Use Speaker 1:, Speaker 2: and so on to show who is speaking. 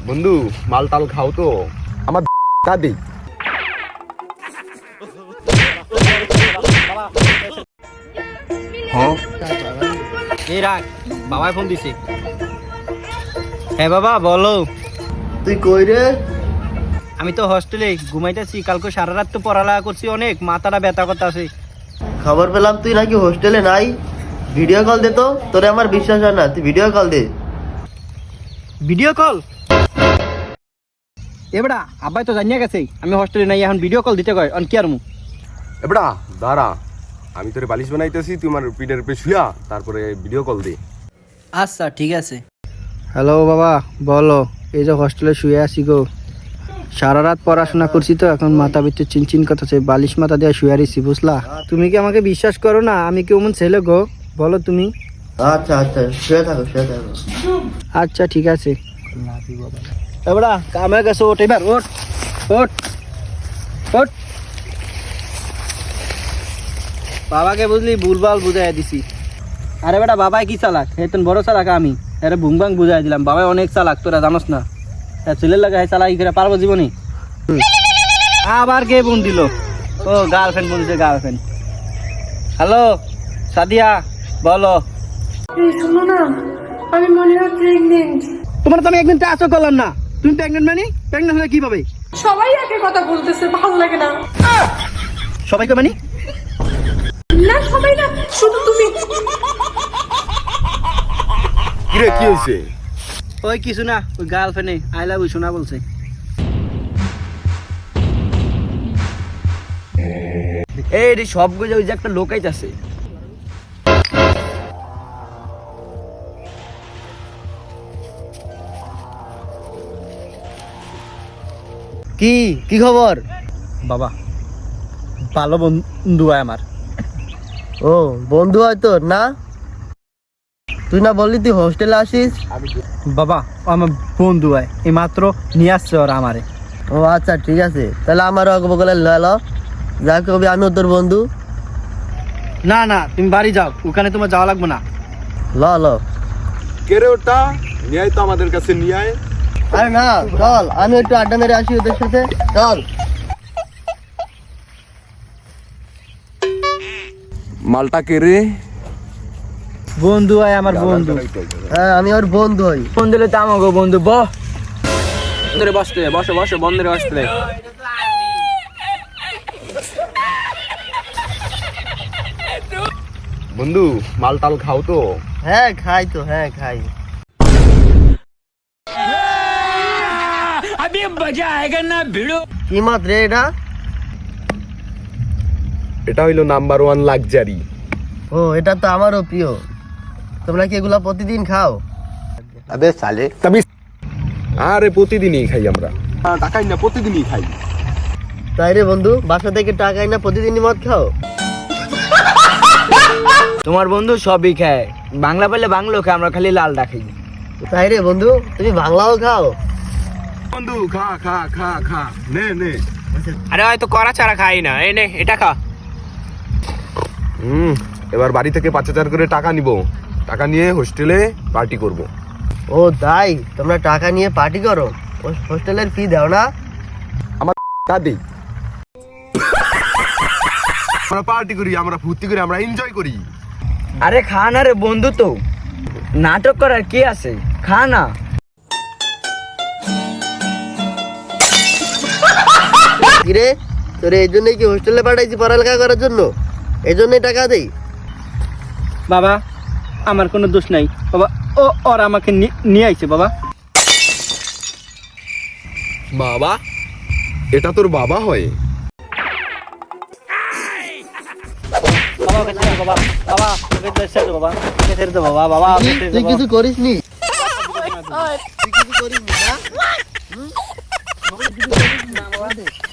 Speaker 1: বন্ধু মাল টাল খাও তো আমার দাদি।
Speaker 2: এই রাখ, বাবাই ফোন দিছে। হ্যাঁ বাবা বলো।
Speaker 3: তুই কই রে?
Speaker 2: আমি তো হস্টেলে ঘুমাইতেছি, কালকে সারা রাত তো পড়ালেখা করছি, অনেক মাথাটা ব্যথা করতে আছে।
Speaker 3: খবর পেলাম তুই নাকি হোস্টেলে নাই। ভিডিও কল দে তো, তোরে আমার বিশ্বাস হয় না, তুই ভিডিও কল দে।
Speaker 2: Video call? এবড়া আব্বাই তো জানিয়ে গেছে আমি হস্টেলে নাই, এখন ভিডিও কল দিতে কয়, অন কি আর মু
Speaker 1: এবড়া দাঁড়া, আমি তোরে বালিশ বানাইতেছি, তুই আমার পিঠের উপরে শুয়া তারপরে ভিডিও কল দে।
Speaker 2: আচ্ছা ঠিক আছে। হ্যালো বাবা বলো। এই যে হস্টেলে শুয়ে আছি গো, সারা রাত পড়াশোনা করছি তো এখন মাথা ভিতরে চিনচিন করতেছে, বালিশ মাথা দিয়ে শুয়ে আছি বুঝলা। তুমি কি আমাকে বিশ্বাস করো না? আমি কি ওমন ছেলে গো, বলো তুমি।
Speaker 3: আচ্ছা আচ্ছা, শুয়ে থাকো শুয়ে থাকো।
Speaker 2: আচ্ছা ঠিক আছে। এবড়া কামে গেছে, ওঠ এবার, ওঠ ওঠ ওঠ। বাবাকে বুঝলি ভুলভাল বুঝাই দিছি। আরে বেটা বাবাই কি চালাক, হেতন বড় চালাক আমি, আরে ভুংবাং বুঝাই দিলাম। বাবাই অনেক চালাক, তোরা জানোস না। ছেলের লাগে চালাকি করে পারবো জীবনে? আবার কে ফোন দিল? ও গার্লফ্রেন্ড বলছে, গার্লফ্রেন্ড। হ্যালো সাদিয়া বলো।
Speaker 4: শোনো না, আমি মনে হয় প্রেগনেন্ট।
Speaker 2: তোমার তো আমি একদিন চাষও করলাম না, তুমি প্রেগনেন্ট মানে? প্রেগনেন্ট হলে কি পাবে?
Speaker 4: সবাই একই কথা বলতেছে, ভালো লাগে না।
Speaker 2: সবাইকে মানে?
Speaker 4: না সবাই না, শুধু তুমি।
Speaker 1: কিরে কি হয়েছে?
Speaker 2: ওই কিছু না, ওই গার্লফ্রেন্ডে আই লাভ ইউ শোনা বলছে। এই রে সব গুলো ওই যে একটা লোক আইতাছে।
Speaker 3: কি কি খবর?
Speaker 2: বাবা ভালো বন্ধু হয় আমার।
Speaker 3: ও বন্ধু হয় তোর না? তুই না বললি তুই হোস্টেলে আসিস?
Speaker 2: বাবা ও আমার বন্ধু হয়, এই মাত্র নিয়ে আসছে ওরা আমারে।
Speaker 3: ও আচ্ছা ঠিক আছে, তাহলে আমারও বলে লো, যা কবি আমিও তোর বন্ধু।
Speaker 2: না না তুমি বাড়ি যাও, ওখানে তোমার যাওয়া লাগবে না।
Speaker 3: ল
Speaker 1: কে রে ওটা? নিয়ে আয় তো আমাদের কাছে, নিয়ে আয়।
Speaker 3: আরে না চল, আমি একটু আড্ডা মেরে আসি ওদের সাথে, চল।
Speaker 1: মালটা কে রে?
Speaker 2: বন্ধু হয় আমার বন্ধু।
Speaker 3: হ্যাঁ আমি ওর বন্ধু হই।
Speaker 2: বন্ধু হলে তো আমাকে বন্ধু। বন্ধুরে বসতে বসো বসো, বন্ধুরে বসতে।
Speaker 1: বন্ধু মাল টাল খাও তো?
Speaker 3: হ্যাঁ খাই তো, হ্যাঁ খাই। কি মাত্র রে এটা?
Speaker 1: এটা হইলো নাম্বার 1 লাক্সারি।
Speaker 3: ও এটা তো আমারও প্রিয়। তোমরা কি এগুলা প্রতিদিন খাও?
Speaker 1: আরে প্রতিদিনই খাই আমরা, টাকাই না প্রতিদিনই খাই।
Speaker 3: তাই রে বন্ধু, বাসা থেকে টাকা না প্রতিদিনই মদ খাও?
Speaker 2: তোমার বন্ধু সবই খায়, বাংলা পেলে বাংলো খায়, আমরা খালি লালটা খাই।
Speaker 3: তাই রে বন্ধু, তুমি বাংলাও খাও?
Speaker 1: বন্ধু খা খা খা খা, নে নে।
Speaker 2: আরে হয়তো করা ছাড়া খাই না, এই নে এটা খা।
Speaker 1: এবার বাড়ি থেকে 5,000 করে টাকা নিব, টাকা নিয়ে হোস্টেলে পার্টি করব।
Speaker 3: ও তাই, তোমরা টাকা নিয়ে পার্টি করো? হোস্টেলের ফি দাও না?
Speaker 1: আমার দাদি। আমরা পার্টি করি, আমরা ফুর্তি করি, আমরা এনজয় করি।
Speaker 2: আরে খা না রে বন্ধু, তো নাটক করার কি আছে, খা না।
Speaker 3: কিরে তোরে এই জন্যই কি হোস্টেলে পাঠাইছি পড়ালেখা করার জন্য? এই জন্যই টাকা দেই?
Speaker 2: বাবা আমার কোনো দোষ নাই বাবা, ও ওর আমাকে নিয়ে আইছে বাবা।
Speaker 1: বাবা? এটা তোর বাবা হয়?
Speaker 3: তুই কিছু করিস নি? তুই কিছু করিস নি না?